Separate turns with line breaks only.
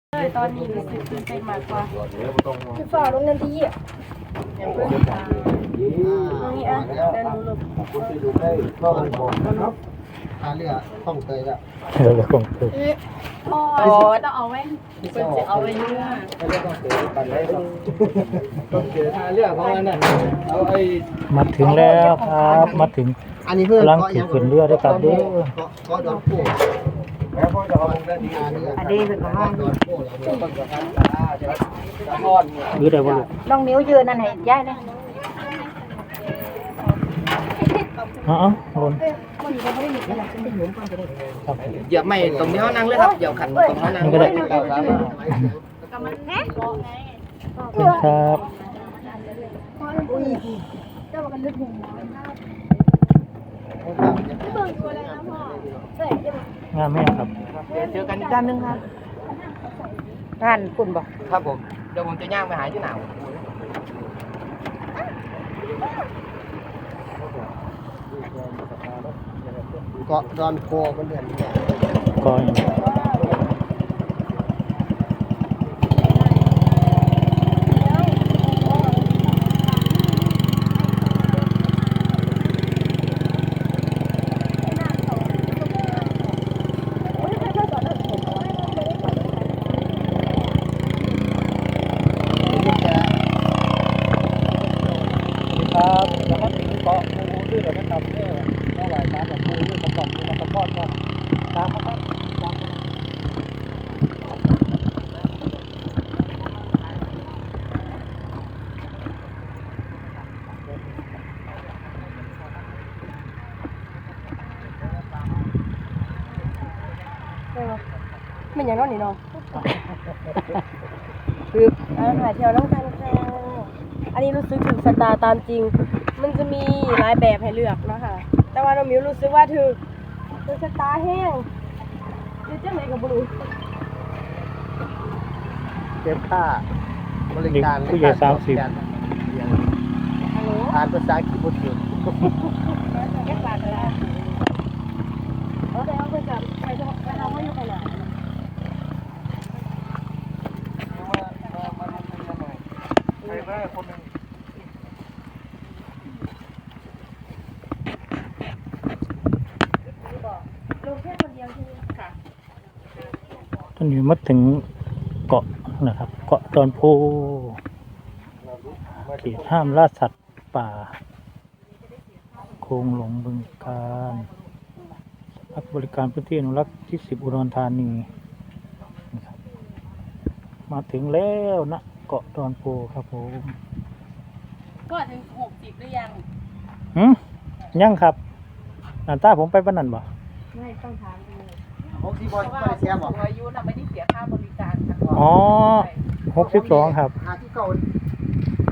ตอนนี้รู้สึกตื่นเต้นมากกว่า
คือฝ่าลงนันทีอ่ะ
ตรงนี้อ่ะเดินดูลง
คุณไปดูได้ก็มันบอกนะครับเรือต้องเคยละ
แล้วคงคือ
อ๋อต้องเอาไว้เพิ่นจะเอาไว้เนื้อ
ไม่ได้ต้องเคยกันได้ต้องเคยเรือของนั่นเอาไอ้
มาถึงแล้วครับมาถึง
อันนี้เพื่อน
กำลังขี่ขึ้นเรือด้วยครับเด้อ
ก็ดอนโป้แล้วพอจะเอาด้านนี้อันนี้เป็นของดอนโป้เราเนี่ยต้องการจะทอด
ยืดได้บ่ลูก
น้องนิ้วยืนนั่นให้ย้ายเลย
อ๋อหล่น
มันก็ไม่ได้หนีหลังฉันจะหยุมก่อนจะได้
ครับ
เหยียบไม่ตรงนี้เขานั่งเลยครับเหยียบขันตรงเขานั่ง
นี่ก็ได้
กับมันแค่เกาะไง
ขอบคุณครับ
อุ้ยเจ้ามันลึกหัว
งามไหมครับ
เจอกันอีกด้านนึงครับ
งานคุณบอก
ครับผมเดี๋ยวผมจะย่างไปหาที่หนาวเกาะดอนโพมันเดือนนี้
ก็อย่างนี้ ครับแล้วก็ถึงเกาะภูด้วยเดี๋ยวนะครับเท่าไหร่ตามแบบภูด้วยกระป๋องมีกระป๋องก็ตามนะครับตาม
ไม่อย่างนั้นนี่เนาะคือหาเที่ยวน้องกันค่ะอันนี้รู้สึกถึงสตาร์ตามจริง มันจะมีหลายแบบให้เลือกนะคะแต่ว่าน้องมิวรู้สึกว่าถึงสตาร์แห้งคือจังไหนกับบลู
เก็บค่าบริการ
ผู้ใหญ่30
ฮัลโหล
อ่านภาษาอังกฤษพูดถึง
แค่บาทเลยแต่เอาไปกับไปทำให้อยู่ขนาด ลงแค่คนเดียวใช่ไหมค่ะ
ตอนนี้มาถึงเกาะนะครับ เกาะดอนโพเขตห้ามล่าสัตว์ป่าโคงหลงบึงกาฬพักบริการพื้นที่อนุรักษ์ที่10อุดรธานีนะครับมาถึงแล้วนะเกาะดอนโพครับผม
ก็ถึง60หรือยัง
ยังครับหน้าตาผมไปบ้านนั่นบ่
ไม่ต้องถามดู
60บอล
เพราะว่า
ไม่ได้เสียบอก
อายุน่ะไม่ได้เสียค่าบริการค่ะ
อ๋อ62ครับ
หาที่เก่า